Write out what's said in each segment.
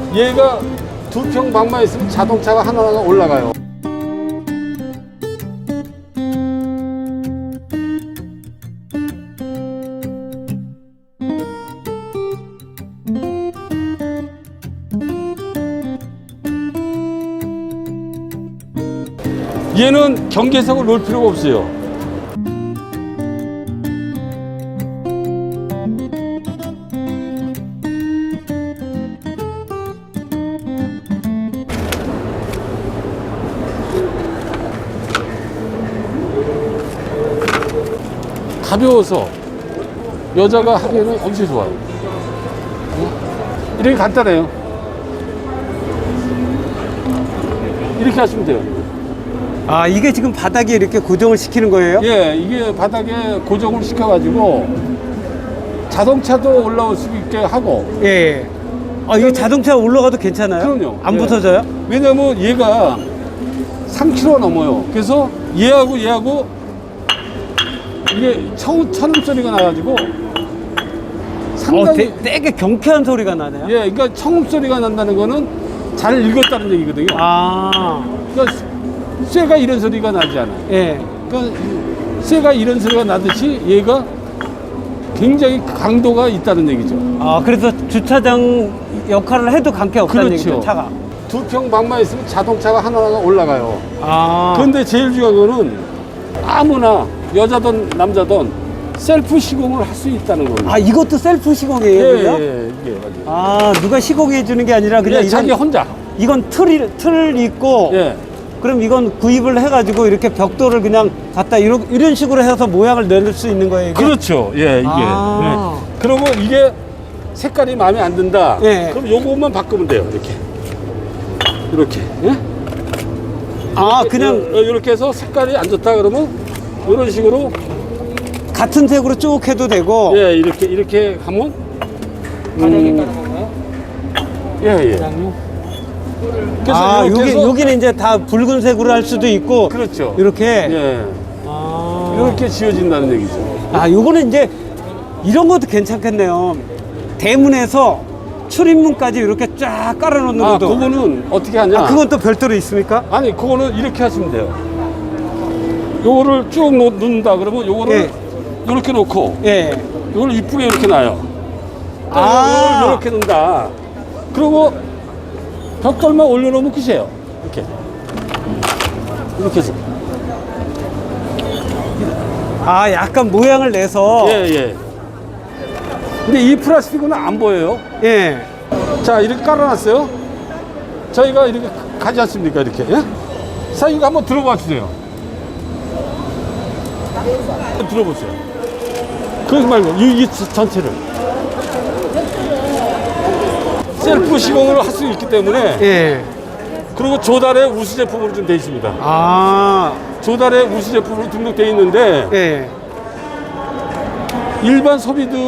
얘가 2평 방만 있으면 자동차가 하나가 올라가요. 얘는 경계석을 놓을 필요가 없어요. 가벼워서 여자가 하기에는 엄청 좋아요. 이렇게 간단해요. 이렇게 하시면 돼요. 아, 이게 지금 바닥에 이렇게 고정을 시키는 거예요? 예, 이게 바닥에 고정을 시켜가지고 자동차도 올라올 수 있게 하고. 예. 아, 이게 자동차 올라가도 괜찮아요? 그럼요. 안 예. 부서져요? 왜냐면 얘가 3kg 넘어요. 그래서 얘하고 이게 천음 소리가 나가지고 상당히 되게 경쾌한 소리가 나네요. 예, 그러니까 청음 소리가 난다는 거는 잘 읽었다는 얘기거든요. 아, 그러니까 쇠가 이런 소리가 나지 않아요. 예. 그러니까 쇠가 이런 소리가 나듯이 얘가 굉장히 강도가 있다는 얘기죠. 아, 그래서 주차장 역할을 해도 관계 없다는 그렇죠. 얘기죠, 차가. 2평 방만 있으면 자동차가 하나가 올라가요. 아. 그런데 제일 중요한 거는 아무나 여자든 남자든 셀프 시공을 할 수 있다는 겁니다. 아, 이것도 셀프 시공이에요? 예, 그죠? 예, 이게 맞아요. 아, 누가 시공해 주는 게 아니라 그냥 예, 자기 혼자. 이건 틀 있고, 예. 그럼 이건 구입을 해가지고 이렇게 벽돌을 그냥 갖다 이런 식으로 해서 모양을 낼 수 있는 거예요, 이게? 그렇죠. 예, 이게. 아. 예. 그리고 이게 색깔이 마음에 안 든다. 예. 그럼 요것만 바꾸면 돼요. 이렇게. 이렇게. 예? 아, 그냥 이렇게 해서 색깔이 안 좋다 그러면 이런 식으로 같은 색으로 쭉 해도 되고. 예, 이렇게 하면 바닥에 깔는 건가요? 예, 예. 그냥요? 그래서 아, 이렇게 해서 여기는 이제 다 붉은색으로 할 수도 있고. 그렇죠. 이렇게. 예. 아. 이렇게 지어진다는 얘기죠. 아, 요거는 이제 이런 것도 괜찮겠네요. 대문에서 출입문까지 이렇게 쫙 깔아놓는 아, 것도. 그거는 어떻게 하냐? 그건 또 별도로 있습니까? 아니, 그거는 이렇게 하시면 돼요. 요거를 쭉 놓는다 그러면 요거를 예. 이렇게 놓고 예. 요걸 이쁘게 이렇게 놔요. 또 아. 요걸 이렇게 놓는다. 그리고 벽돌만 올려놓으면 끝이에요. 이렇게 해서. 아, 약간 모양을 내서. 예, 예. 근데 이 플라스틱은 안 보여요. 예. 자, 이렇게 깔아놨어요. 저희가 이렇게 가지 않습니까? 이렇게. 예? 자, 이거 한번 들어봐 주세요. 들어보세요. 그러지 말고, 이 전체를. 셀프 시공을 할 수 있기 때문에, 예. 그리고 조달에 우수 제품으로 좀 돼 있습니다. 아. 조달에 우수 제품으로 등록돼 있는데, 예. 일반 소비들이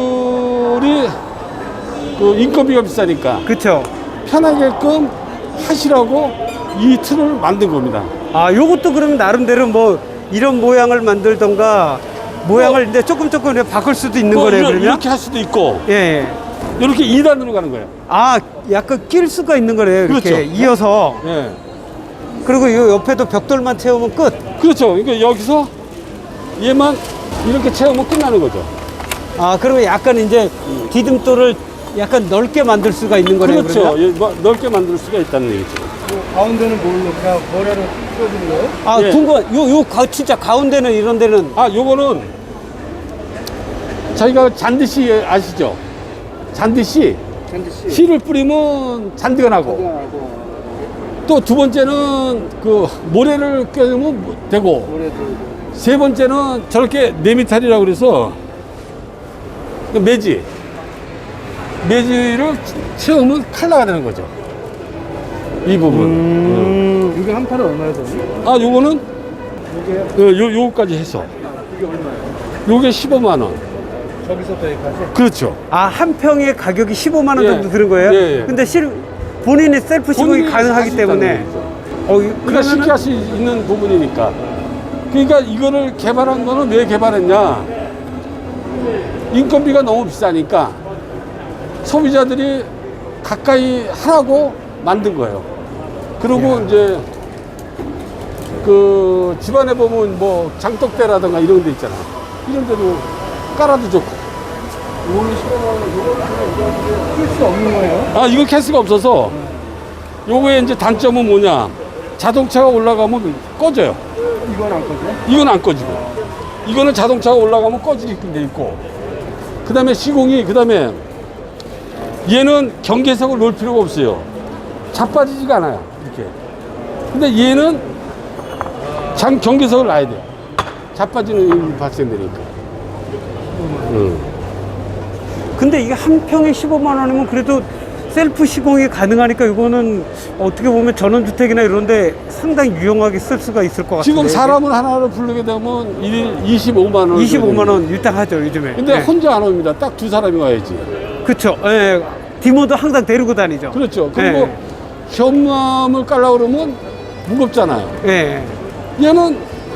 그 인건비가 비싸니까 그쵸. 편하게끔 하시라고 이 틀을 만든 겁니다. 아, 요것도 그러면 나름대로 뭐 이런 모양을 만들던가 모양을 이제 조금 이렇게 바꿀 수도 있는 거네요, 그러면? 이렇게 할 수도 있고, 예. 이렇게 2단으로 가는 거예요. 아, 약간 낄 수가 있는 거네요, 이렇게. 그렇죠. 이어서. 예. 그리고 이 옆에도 벽돌만 채우면 끝. 그렇죠. 그러니까 여기서 얘만 이렇게 채우면 끝나는 거죠. 아, 그러면 약간 이제 디딤돌을 약간 넓게 만들 수가 있는 거네요, 그렇죠. 그러면? 예, 뭐 넓게 만들 수가 있다는 얘기죠. 가운데는 뭘로 그냥 모래로 씌워주는 거예요? 아, 예. 궁금한, 진짜 가운데는 이런 데는. 아, 요거는 저희가 잔디씨 아시죠? 잔디씨. 잔디씨. 씨를 뿌리면 잔디가 나고, 또 두 번째는 그 모래를 껴주면 되고, 모래도. 세 번째는 저렇게 네미탈이라고 그래서 그 매지를 채우면 칼라가 되는 거죠. 이 부분. 이게 한 판에 얼마나 되지? 아, 요거는 이게요? 요거까지 해서 이게 얼마예요? 요게 15만 원. 저기서부터 여기까지? 그렇죠. 아, 한 평의 가격이 15만 원 예. 정도 드는 거예요? 예, 예. 근데 본인이 셀프 시공이 본인이 가능하기 할수 있다는 때문에. 얘기죠. 그러니까 그러니까 쉽게 할 수 있는 부분이니까. 그러니까 이거를 개발한 거는 왜 개발했냐? 인건비가 너무 비싸니까 소비자들이 가까이 하라고 만든 거예요. 그리고 야. 이제 그 집안에 보면 뭐 장독대라든가 이런 데 있잖아. 이런 데도 깔아도 좋고. 이거는 이거는 쓸수 없는 거예요? 아, 이거 캐스가 없어서 요거의 이제 단점은 뭐냐? 자동차가 올라가면 꺼져요. 이건 안 거죠? 이건 안 꺼지고. 이거는 자동차가 올라가면 꺼지게끔 돼 있고. 그 다음에 시공이, 그 다음에 얘는 경계석을 놓을 필요가 없어요. 자빠지지가 않아요. 이렇게. 근데 얘는 경계석을 놔야 돼요. 자빠지는 일이 발생되니까. 근데 이게 한 평에 15만 원이면 그래도 셀프 시공이 가능하니까 이거는 어떻게 보면 전원주택이나 이런데 상당히 유용하게 쓸 수가 있을 것 같아요. 지금 사람을 하나를 부르게 되면 일일 25만 원. 25만 원 일단 하죠, 요즘에. 근데 네. 혼자 안 옵니다. 딱 두 사람이 와야지. 그쵸. 예. 디모도 항상 데리고 다니죠. 그렇죠. 그리고 네. 현무암을 깔려고 그러면 무겁잖아요. 예. 얘는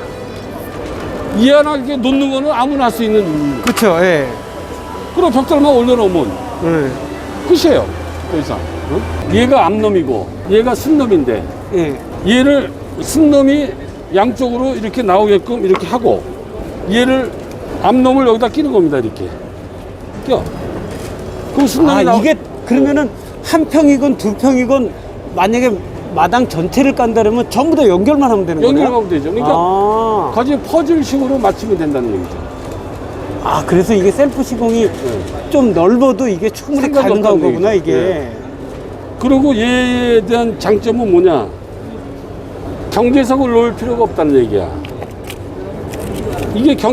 이안하게 놓는 거는 아무나 할 수 있는. 그쵸. 예. 그리고 벽돌만 올려놓으면 예. 끝이에요. 더 이상. 어? 얘가 앞놈이고 얘가 순놈인데 예. 얘를 순놈이 양쪽으로 이렇게 나오게끔 이렇게 하고 얘를 앞놈을 여기다 끼는 겁니다. 이렇게 껴. 그럼 순놈이 아, 이게 그러면은 한 평이건 두 평이건 만약에 마당 전체를 깐다면 전부 다 연결만 하면 되는 거예요? 연결하면 되죠. 그러니까 아. 거기 퍼즐식으로 맞추면 된다는 얘기죠. 아, 그래서 이게 셀프 시공이 좀 넓어도 이게 충분히 상관이 가능한 없다는 거구나, 얘기죠. 이게. 네. 그리고 얘에 대한 장점은 뭐냐? 경계석을 놓을 필요가 없다는 얘기야. 이게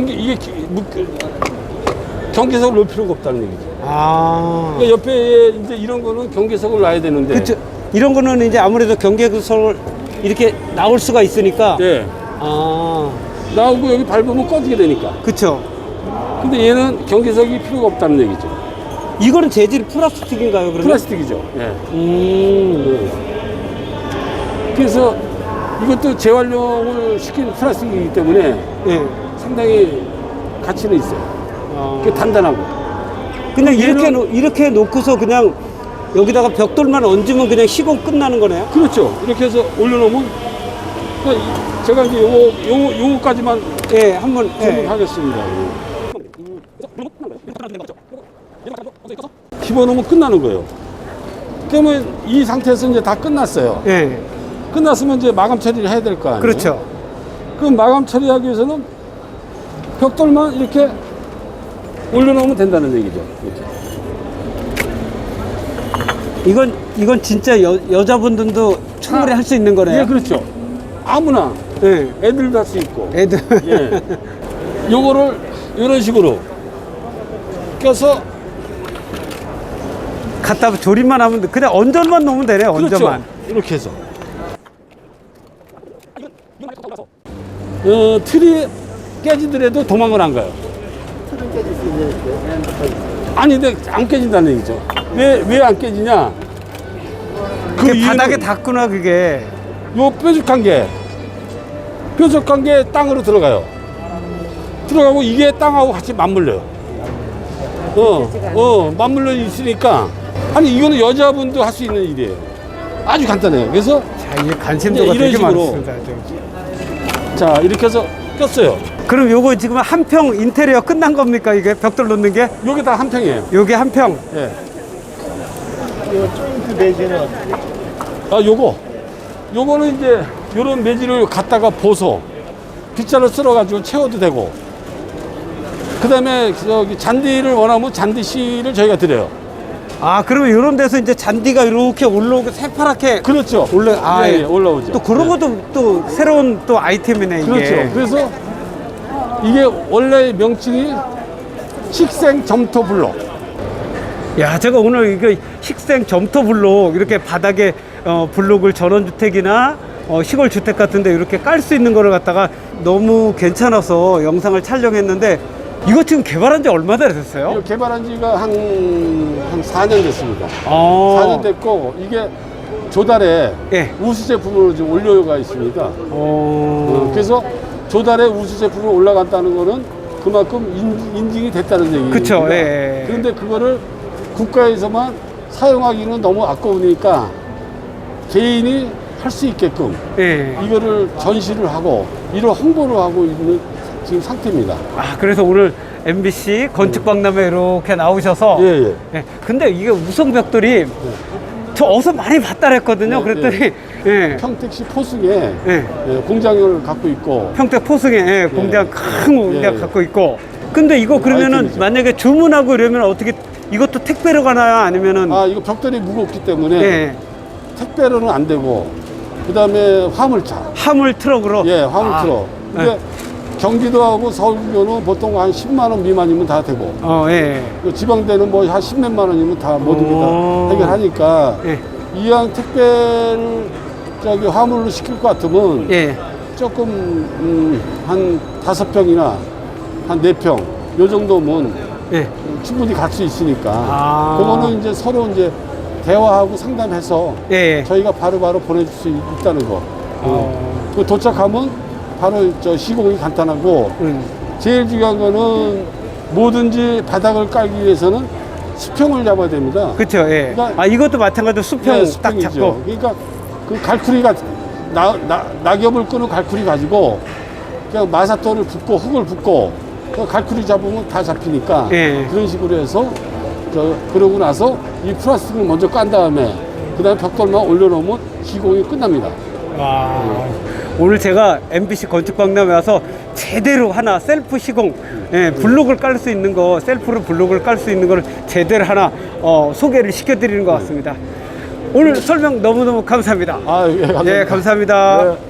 경계석을 놓을 필요가 없다는 얘기죠. 아. 그러니까 옆에 이제 이런 거는 경계석을 놔야 되는데. 그쵸. 이런 거는 이제 아무래도 경계석을 이렇게 나올 수가 있으니까. 네. 아. 나오고 여기 밟으면 꺼지게 되니까. 그쵸. 근데 얘는 경계석이 필요가 없다는 얘기죠. 이거는 재질이 플라스틱인가요, 그러면? 플라스틱이죠. 예. 음. 그래서 이것도 재활용을 시킨 플라스틱이기 때문에 예. 상당히 가치는 있어요. 아. 그 단단하고. 그냥 얘는- 이렇게 놓고서 그냥 여기다가 벽돌만 얹으면 그냥 시공 끝나는 거네요? 그렇죠. 이렇게 해서 올려놓으면 그러니까 제가 이제 요거까지만 예, 한번. 예. 설명하겠습니다. 집어넣으면 끝나는 거예요. 그러면 이 상태에서 이제 다 끝났어요. 예. 끝났으면 이제 마감 처리를 해야 될 거 아니에요. 그렇죠. 그럼 마감 처리하기 위해서는 벽돌만 이렇게 올려놓으면 된다는 얘기죠. 이렇게. 이건 진짜 여자분들도 충분히 할 수 있는 거네요? 예, 그렇죠. 아무나 예. 애들도 할 수 있고. 애들. 예. 요거를 이런 식으로 껴서 갖다 조립만 하면 돼. 그냥 언전만 놓으면 되네, 그렇죠. 언전만. 이렇게 해서. 틀이 깨지더라도 도망을 안 가요. 틀은 깨질 수 있는데. 아니, 근데 안 깨진다는 얘기죠. 왜 안 깨지냐? 그 그게 이유는 바닥에 닿구나, 그게. 요 뾰족한 게 땅으로 들어가요. 들어가고 이게 땅하고 같이 맞물려요. 맞물려 있으니까. 아니, 이거는 여자분도 할 수 있는 일이에요. 아주 간단해요. 그래서 자, 이게 관심도가 이런 되게 식으로. 많습니다. 자, 이렇게 해서 꼈어요. 그럼 요거 지금 한 평 인테리어 끝난 겁니까, 이게? 벽돌 놓는 게? 요게 다 한 평이에요. 요게 한 평. 예. 이거 조인트 매제는 어떻게? 요거는 이제 요런 매질을 갖다가 보소. 빗자루 쓸어가지고 채워도 되고. 그 다음에 저기 잔디를 원하면 잔디실을 저희가 드려요. 아, 그러면 이런 데서 이제 잔디가 이렇게 올라오고 새파랗게 그렇죠. 예, 올라오죠. 또 그런 예. 것도 또 새로운 또 아이템이네, 이게. 그렇죠. 그래서 이게 원래 명칭이 식생 점토 블록. 야, 제가 오늘 이거 식생 점토 블록 이렇게 바닥에 블록을 전원주택이나 시골주택 같은데 이렇게 깔 수 있는 거를 갖다가 너무 괜찮아서 영상을 촬영했는데 이거 지금 개발한 지 얼마나 됐어요? 이거 개발한 지가 한 4년 됐습니다. 아. 4년 됐고, 이게 조달에 예. 우수 제품으로 지금 올려가 있습니다. 그래서 조달에 우수 제품으로 올라갔다는 거는 그만큼 인증이 됐다는 얘기입니다. 그쵸, 예. 그런데 그거를 국가에서만 사용하기는 너무 아까우니까 개인이 할 수 있게끔 예. 이거를 전시를 하고 이런 홍보를 하고 있는 지금 상태입니다. 아, 그래서 오늘 MBC 건축박람회 이렇게 나오셔서. 예, 예. 예. 근데 이게 우성벽돌이 저 어디서 많이 봤다 그랬거든요. 네, 그랬더니, 예. 평택시 포승에 예. 공장을 갖고 있고 평택 포승에 예, 공장 큰 공장 예. 갖고 있고. 근데 이거 그러면은 아이템이죠. 만약에 주문하고 이러면 어떻게 이것도 택배로 가나요? 아니면은 아 이거 벽돌이 무겁기 때문에 예. 택배로는 안 되고 그 다음에 화물차 화물 트럭으로. 예 화물 아, 트럭 근데 경기도하고 서울교는 보통 한 10만 원 미만이면 다 되고 예. 그 지방대는 뭐 한 10몇만 원이면 다 모든 게 오. 다 해결하니까 예. 이왕 택배를 저기 화물로 시킬 것 같으면 예. 조금 한 5평이나 한 4평 요 정도면 예. 충분히 갈 수 있으니까 아. 그거는 이제 서로 이제 대화하고 상담해서 예. 저희가 바로바로 보내줄 수 있다는 거. 그 도착하면 바로 저 시공이 간단하고 제일 중요한 거는 뭐든지 바닥을 깔기 위해서는 수평을 잡아야 됩니다. 그렇죠. 예. 그러니까- 아, 이것도 마찬가지로 수평 네, 딱 수평이죠. 잡고. 그러니까 그 갈쿠리가 낙엽을 끄는 갈쿠리 가지고 그냥 마사토를 붓고 흙을 붓고 그 갈쿠리 잡으면 다 잡히니까 예. 그런 식으로 해서 그러고 나서 이 플라스틱을 먼저 깐 다음에 그다음에 벽돌만 올려놓으면 시공이 끝납니다. 와. 오늘 제가 MBC 건축박람회 와서 제대로 하나 셀프 시공, 예, 블록을 깔 수 있는 거, 셀프로 블록을 깔 수 있는 걸 제대로 하나 소개를 시켜드리는 것 같습니다. 오늘 설명 너무너무 감사합니다. 아, 예, 감사합니다. 예, 감사합니다. 네.